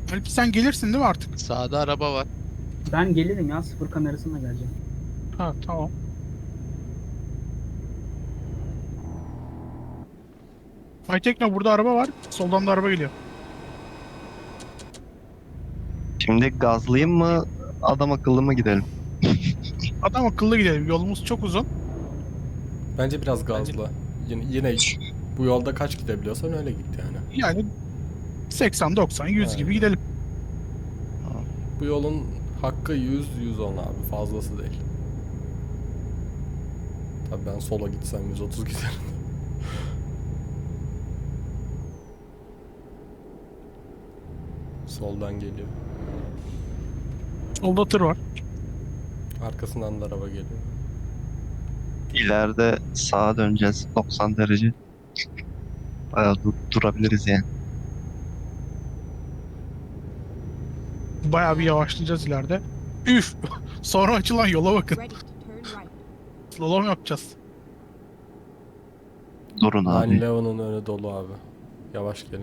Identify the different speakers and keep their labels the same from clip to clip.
Speaker 1: Alp sen gelirsin değil mi artık?
Speaker 2: Sağda araba var.
Speaker 3: Ben gelirim ya, sıfır kamerasına geleceğim.
Speaker 1: Ha tamam. Aytekno burada araba var. Soldan da araba geliyor.
Speaker 4: Şimdi gazlayayım mı? Adam akıllı mı gidelim?
Speaker 1: Adam akıllı gidelim. Yolumuz çok uzun.
Speaker 5: Bence biraz gazla. Yine bu yolda kaç gidebiliyorsan öyle git yani.
Speaker 1: Yani 80, 90, 100 gibi
Speaker 5: Aynen.
Speaker 1: gidelim.
Speaker 5: Bu yolun hakkı 100-110 abi, fazlası değil. Tabii ben sola gitsem 130 giderim. Soldan geliyor.
Speaker 1: Solda tır var.
Speaker 5: Arkasından da araba geliyor.
Speaker 4: İleride sağa döneceğiz 90 derece. Bayağı durabiliriz yani.
Speaker 1: Bayağı bir yavaşlayacağız ileride. Üf! Sonra açılan yola bakın.
Speaker 6: Ready to turn right.
Speaker 1: Slalom yapacağız.
Speaker 4: Durun abi.
Speaker 5: Line Leon'un önü dolu abi. Yavaş gelin.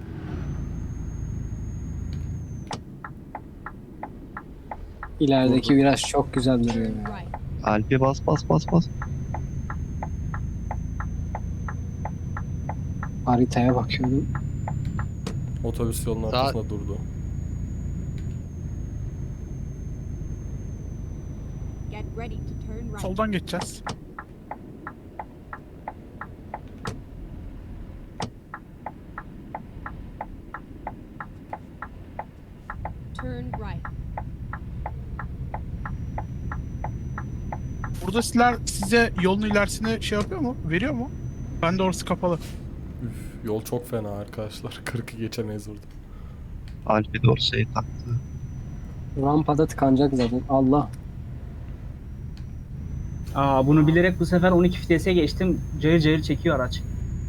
Speaker 7: İlerideki viraj çok güzel duruyor
Speaker 6: Turn
Speaker 7: ya.
Speaker 6: right.
Speaker 4: Alp'e bas bas bas bas.
Speaker 7: Haritaya bakıyorum.
Speaker 5: Otobüs yolun
Speaker 2: Sağ-
Speaker 5: ortasında durdu.
Speaker 6: Get ready to turn right.
Speaker 1: Soldan geçeceğiz.
Speaker 6: Turn right.
Speaker 1: Burada size yolun ilerisini şey yapıyor mu? Veriyor mu? Ben de orası kapalı.
Speaker 5: Üf, yol çok fena arkadaşlar. 40'ı geçemeyiz burada.
Speaker 4: Alp'e doğru şey taktı.
Speaker 7: Rampada tıkanacak zaten. Allah.
Speaker 3: Aa, bunu bilerek bu sefer 12 vitese geçtim. Cayır cayır çekiyor araç.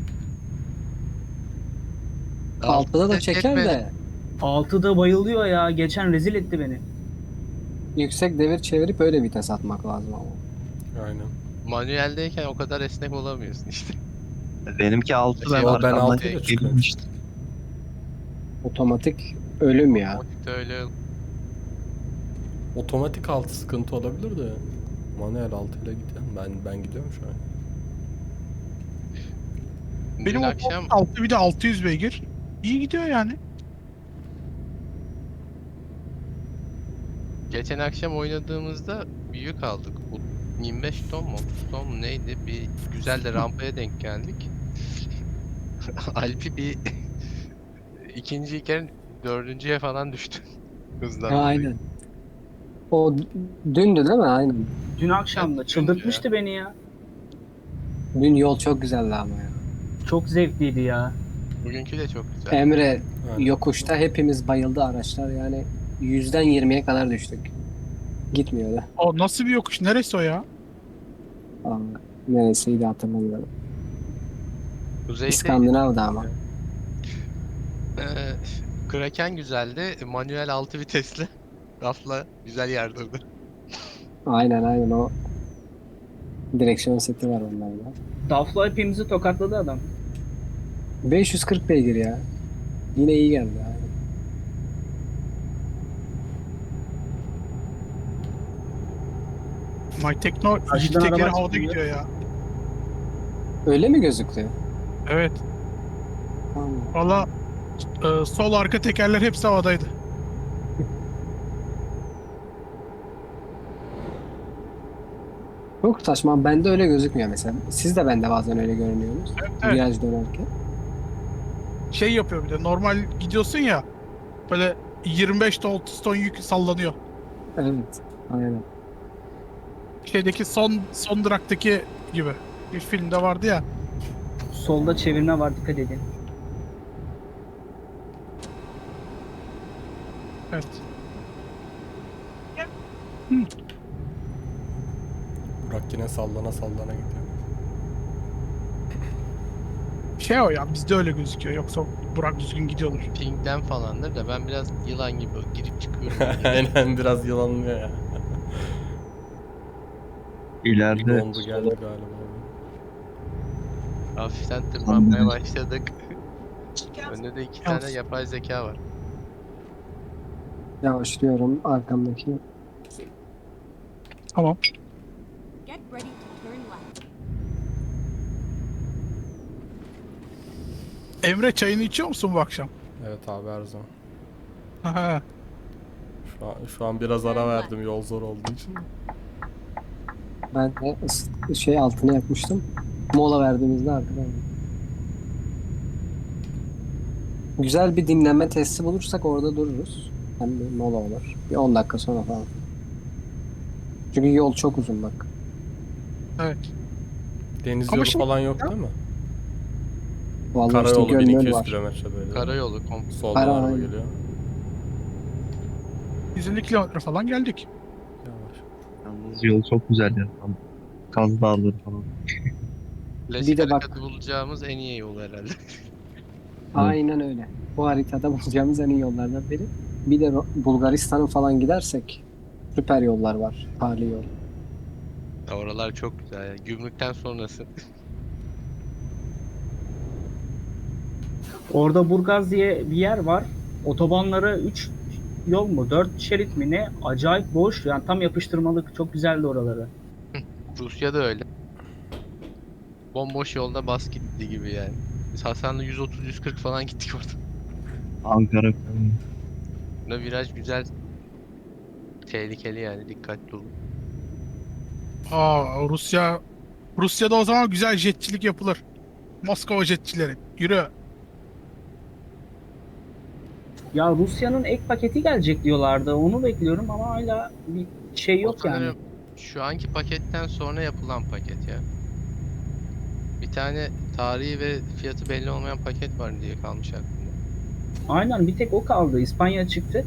Speaker 7: Altıda da
Speaker 2: Ses
Speaker 7: çeker
Speaker 2: etmedi.
Speaker 7: de
Speaker 3: 6'da bayılıyor ya. Geçen rezil etti beni.
Speaker 7: yüksek devir çevirip öyle vites atmak lazım ama.
Speaker 5: Aynen.
Speaker 2: Manueldeyken o kadar esnek olamıyorsun işte.
Speaker 4: Benimki 6 ben
Speaker 2: Yo,
Speaker 5: ben
Speaker 4: arkamdan
Speaker 5: altıyla çıkıyorum.
Speaker 4: gelmiştim.
Speaker 7: Otomatik ölüm ya.
Speaker 2: Otomatikte öyle
Speaker 5: Otomatik altı sıkıntı olabilir de manuel altıyla gidiyorum. Ben gidiyorum şu an.
Speaker 1: Benim
Speaker 2: dün akşam
Speaker 1: altı bir de 600 beygir. İyi gidiyor yani.
Speaker 2: geçen akşam oynadığımızda bir yük aldık. Bu 25 ton mu 30 ton mu neydi? Bir güzel de rampaya denk geldik. Alp'i bir ikinciyken dördüncüye falan düştü. Hızdan
Speaker 7: Ha,
Speaker 2: dolayı.
Speaker 7: aynen. O dündü değil mi? Aynen.
Speaker 3: Dün akşam da
Speaker 2: Evet,
Speaker 3: çıldırtmıştı beni ya.
Speaker 7: Dün yol çok güzeldi ama ya.
Speaker 3: Çok zevkliydi ya.
Speaker 2: Bugünkü de çok güzel.
Speaker 7: Emre
Speaker 5: Aynen.
Speaker 7: yokuşta hepimiz bayıldı araçlar yani 100'den 20'ye kadar düştük. Gitmiyordu.
Speaker 1: O nasıl bir yokuş? Neresi o ya?
Speaker 7: Aa, neresiydi hatırlamıyorum.
Speaker 2: Kuzeyde
Speaker 7: İskandinav'da ama.
Speaker 2: Kraken güzeldi. Manuel 6 vitesli. Rafla güzel yardırdı.
Speaker 7: Aynen o direksiyon seti var onlarda.
Speaker 3: Dafla hepimizi tokatladı adam.
Speaker 7: 540 beygir ya. Yine iyi geldi yani.
Speaker 1: My Tekno iki
Speaker 3: Karşıdan
Speaker 1: tekeri
Speaker 3: araba
Speaker 1: havada
Speaker 3: çıkıyor.
Speaker 1: gidiyor ya.
Speaker 7: Öyle mi gözüktü?
Speaker 1: Evet.
Speaker 7: Allah.
Speaker 1: Valla sol arka tekerler hepsi havadaydı.
Speaker 7: Çok saçma. Bende öyle gözükmüyor mesela. Siz de bende bazen öyle görünüyorsunuz.
Speaker 1: Evet.
Speaker 7: Viraj dönerken.
Speaker 1: Şey yapıyor bir de normal gidiyorsun ya. Böyle 25 ton 30 ton yük sallanıyor.
Speaker 7: Evet. Aynen.
Speaker 1: Şeydeki son duraktaki gibi. Bir filmde vardı ya.
Speaker 3: Solda çevirme var, dikkat edin.
Speaker 1: Evet.
Speaker 5: Burak yine sallana sallana gidiyor.
Speaker 1: Şey o ya bizde öyle gözüküyor. Yoksa Burak düzgün gidiyordur.
Speaker 2: Ping'den falandır da ben biraz yılan gibi girip çıkıyorum.
Speaker 5: Aynen biraz yılanlıyor ya. Bir
Speaker 4: İleride
Speaker 5: dondu geldi galiba.
Speaker 2: Hafiften tırmanmaya başladık. Önde de iki tane
Speaker 1: Yalnız-
Speaker 2: yapay zeka var.
Speaker 7: Yavaşlıyorum arkamdaki.
Speaker 1: Tamam.
Speaker 6: Get ready to turn left.
Speaker 1: Emre, çayını içiyor musun bu akşam?
Speaker 5: Evet abi, her zaman.
Speaker 1: Aha.
Speaker 5: Şu an biraz ara verdim yol zor olduğu için.
Speaker 7: Ben de altına yapmıştım. Mola verdiğimizde arkadan. Güzel bir dinlenme testi bulursak orada dururuz. Hem bir mola olur. Bir 10 dakika sonra falan. Çünkü yol çok uzun bak.
Speaker 1: Evet.
Speaker 5: Deniz
Speaker 1: Ama
Speaker 5: yolu
Speaker 1: şimdi-
Speaker 5: falan yok değil mi?
Speaker 7: Vallahi işte
Speaker 5: Karayolu
Speaker 7: göl
Speaker 5: 1200
Speaker 7: var.
Speaker 5: kilometre böyle.
Speaker 2: Karayolu komple.
Speaker 5: Soldan
Speaker 7: Ara-
Speaker 5: araba geliyor.
Speaker 1: 150 kilometre falan geldik.
Speaker 5: Yavaş.
Speaker 4: Yalnız yol çok güzel ya. Tam Kaz Dağları falan.
Speaker 2: Klasik
Speaker 7: Bir de bak-
Speaker 2: harekatı bulacağımız en iyi yol herhalde.
Speaker 7: Aynen öyle. Bu haritada bulacağımız en iyi yollardan biri. Bir de Bulgaristan'a falan gidersek süper yollar var. Tarihi yol.
Speaker 2: Ya oralar çok güzel ya. Gümrükten sonrası.
Speaker 3: Orada Burgaz diye bir yer var. Otobanları 3 yol mu 4 şerit mi ne? Acayip boş. Yani tam yapıştırmalık. Çok güzeldi oraları.
Speaker 2: Rusya'da öyle. Bomboş yolda bas gitti gibi yani. Biz Hasan'la 130-140 falan gittik orada.
Speaker 4: Ankara falan.
Speaker 2: Buna viraj güzel. Tehlikeli yani, dikkatli olun.
Speaker 1: Rusya'da o zaman güzel jetçilik yapılır. Moskova jetçileri. Yürü.
Speaker 3: Ya Rusya'nın ek paketi gelecek diyorlardı. Onu bekliyorum ama hala bir şey yok
Speaker 2: O
Speaker 3: yani.
Speaker 2: sanırım şu anki paketten sonra yapılan paket ya. Bir tane tarihi ve fiyatı belli olmayan paket var diye kalmış aklımda.
Speaker 3: Aynen, bir tek o kaldı. İspanya çıktı.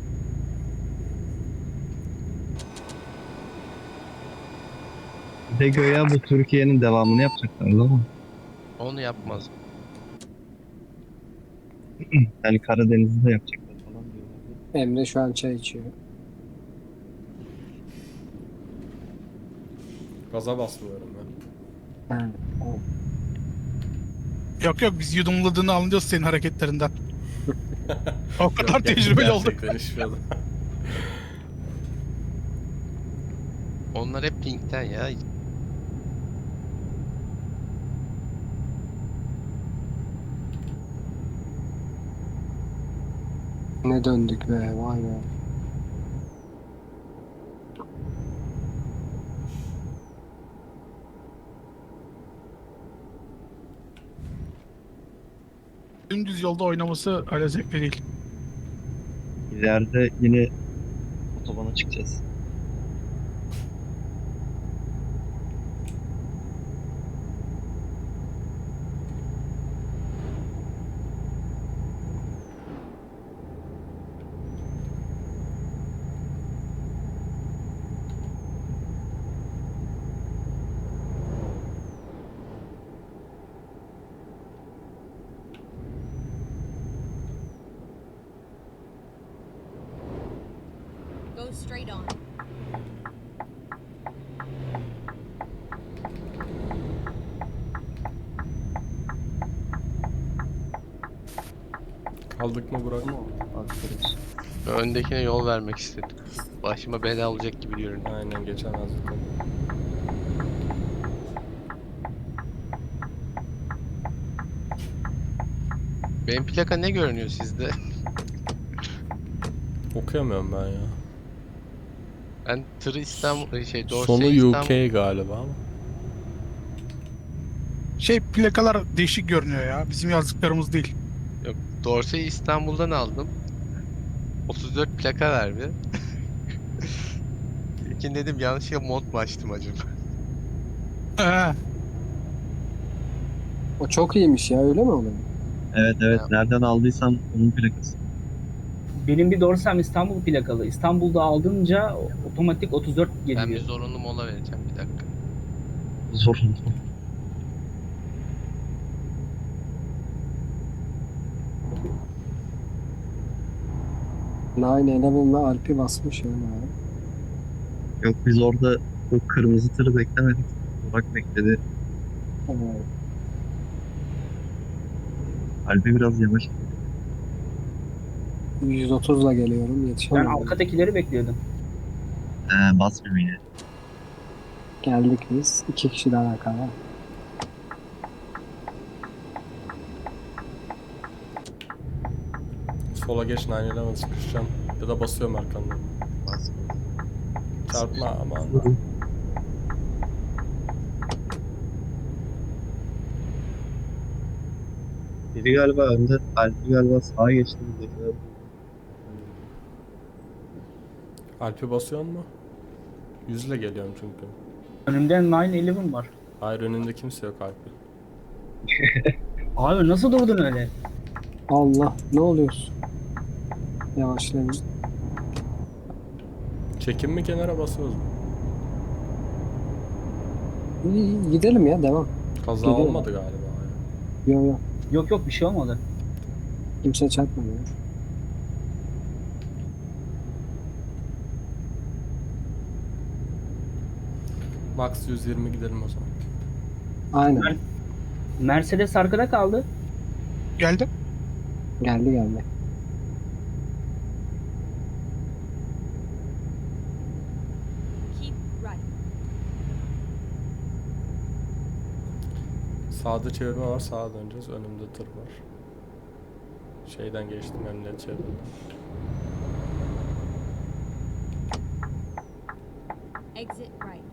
Speaker 4: Bir de göya bu Türkiye'nin devamını yapacaklar ama.
Speaker 2: Onu yapmaz.
Speaker 4: Yani Karadeniz'i de yapacaklar falan diyorlar.
Speaker 7: Emre şu an çay içiyor.
Speaker 5: Gaza basmıyorum ben.
Speaker 7: Ha, tamam.
Speaker 1: Yok yok, biz yudumladığını anlıyoruz senin hareketlerinden. O kadar
Speaker 5: Yok,
Speaker 1: tecrübeli olduk.
Speaker 5: gerçekten içmiyordum.
Speaker 2: Onlar hep pinkten ya.
Speaker 7: Ne döndük be, vay be.
Speaker 1: Dümdüz yolda oynaması öyle zevkli değil.
Speaker 4: İleride yine otobana çıkacağız.
Speaker 6: Go straight on.
Speaker 5: Kaldık mı Burak?
Speaker 7: Bakıyoruz.
Speaker 2: Öndekine yol vermek istedim. Başıma bela olacak gibi görünüyor.
Speaker 5: Aynen, geçemezdik onu.
Speaker 2: Benim plaka ne görünüyor sizde?
Speaker 5: Okuyamıyorum ben ya.
Speaker 2: Ben tırı İstanbul,
Speaker 5: Sonu
Speaker 2: Dorsey'i İstanbul...
Speaker 5: UK galiba ama.
Speaker 1: Plakalar değişik görünüyor ya. Bizim yazdıklarımız değil.
Speaker 2: Yok, Dorsey'i İstanbul'dan aldım. 34 plaka verdi. İlkin dedim yanlışlıkla mod mu açtım acaba?
Speaker 1: Ee,
Speaker 7: O çok iyiymiş ya, öyle mi oluyor?
Speaker 4: Evet evet,
Speaker 2: Ya.
Speaker 4: nereden aldıysan onun plakası.
Speaker 3: Benim bir Dorsem İstanbul plakalı. İstanbul'da aldınca otomatik 34 geliyor.
Speaker 2: Ben bir zorunlu mola vereceğim, bir dakika.
Speaker 4: Zorunlu.
Speaker 7: Nine Eleven'la Alp'i basmış yani.
Speaker 4: Yok, biz orada o kırmızı tırı beklemedik. Burak bekledi.
Speaker 7: Evet.
Speaker 4: Albi biraz yavaş.
Speaker 7: 130'la geliyorum
Speaker 3: Ben
Speaker 7: yetişemiyorum.
Speaker 3: arkadakileri bekliyordum.
Speaker 4: Basmıyor yine.
Speaker 7: Geldik biz. 2 kişi daha arkada.
Speaker 5: Sola geç 911 sıkışacağım. Ya da basıyorum arkandan.
Speaker 2: Basmıyor.
Speaker 5: Çarpma aman.
Speaker 4: Biri galiba önde, Alp'i galiba sağa geçti.
Speaker 5: Alp'i basıyor mu? 100 ile geliyorum çünkü.
Speaker 3: Önümde 911 var.
Speaker 5: Hayır önünde kimse yok Alp'i.
Speaker 3: Abi nasıl durdun öyle?
Speaker 7: Allah ne oluyorsun? Yavaşlayın.
Speaker 5: Çekim mi kenara basıyoruz mu?
Speaker 7: İyi, gidelim ya devam.
Speaker 5: Kaza
Speaker 7: Gidiyor.
Speaker 5: olmadı galiba ya.
Speaker 7: Yo yo.
Speaker 3: Yok yok bir şey olmadı.
Speaker 7: Kimse çarpmadı.
Speaker 5: Max 120 gidelim o zaman.
Speaker 7: Aynen.
Speaker 3: Mercedes arkada kaldı.
Speaker 1: Geldim.
Speaker 7: Geldi geldi.
Speaker 6: Keep right.
Speaker 5: Sağda çevirme var, sağa döneceğiz. Önümde tır var. Şeyden geçtim, emniyet çevirdim.
Speaker 6: Exit right.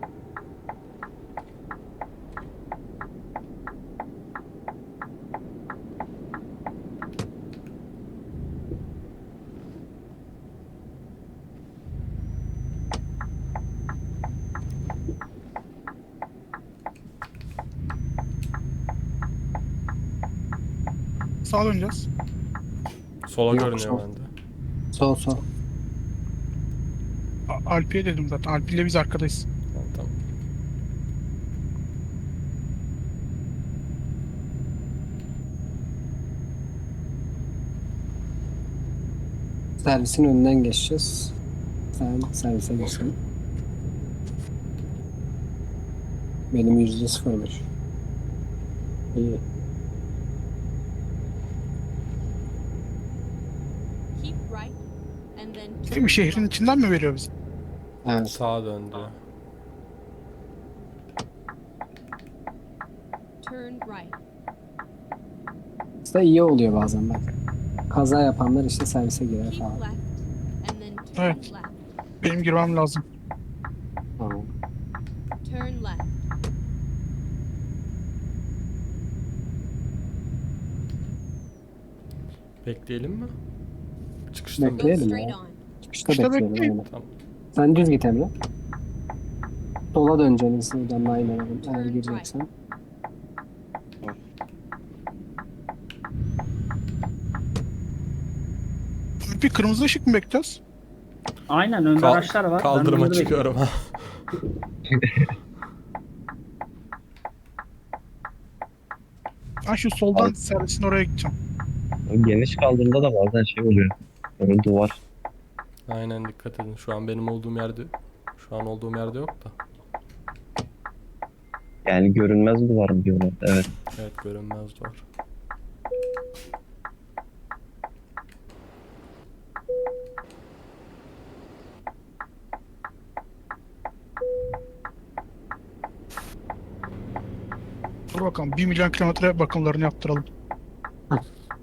Speaker 1: Sağa döneceğiz.
Speaker 5: Sola
Speaker 7: Yok,
Speaker 5: görünüyor
Speaker 7: sol.
Speaker 5: bende.
Speaker 7: Sol sol.
Speaker 1: Alpi'ye dedim zaten. Alpi ile biz arkadayız.
Speaker 5: Tamam, tamam.
Speaker 7: Servisin önünden geçeceğiz. Sen servise geçsin. Benim %0'mış. İyi.
Speaker 6: Keep right. And then
Speaker 1: Değil mi? Şehrin içinden mi veriyor bizi?
Speaker 7: Evet.
Speaker 5: Sağa döndü.
Speaker 6: turn right.
Speaker 7: Aslında iyi oluyor bazen bak. Kaza yapanlar işte servise girer
Speaker 6: Keep
Speaker 7: falan.
Speaker 6: left. And then turn
Speaker 1: Evet.
Speaker 6: left.
Speaker 1: Benim girmem lazım.
Speaker 7: Tamam.
Speaker 6: Turn left.
Speaker 5: Bekleyelim mi? Çıkışta mı?
Speaker 6: Go
Speaker 7: Bekleyelim
Speaker 6: straight
Speaker 7: ya.
Speaker 6: on.
Speaker 7: Çıkışta
Speaker 1: İşte
Speaker 7: bekleyelim.
Speaker 1: bekleyin.
Speaker 7: Aynen.
Speaker 5: Tamam.
Speaker 7: Sen düz git Emre. Sola döneceğiniz buradan aynen eğer
Speaker 6: Turn
Speaker 7: gireceksen.
Speaker 1: Bir kırmızı ışık mı bekliyoruz?
Speaker 3: Aynen önde
Speaker 5: Kal-
Speaker 3: araçlar var. Ben
Speaker 5: Kaldırıma
Speaker 3: onları
Speaker 5: çıkıyorum ha.
Speaker 1: Ben şu soldan
Speaker 4: Abi.
Speaker 1: servisin oraya gideceğim.
Speaker 4: Geniş kaldığında da bazen şey oluyor. Böyle duvar.
Speaker 5: Aynen dikkat edin. Şu an benim olduğum yerde, şu an olduğum yerde yok da.
Speaker 4: Yani görünmez duvarım diyorlar. Evet.
Speaker 5: Evet görünmez duvar.
Speaker 1: Dur bakalım 1 milyon kilometre bakımlarını yaptıralım.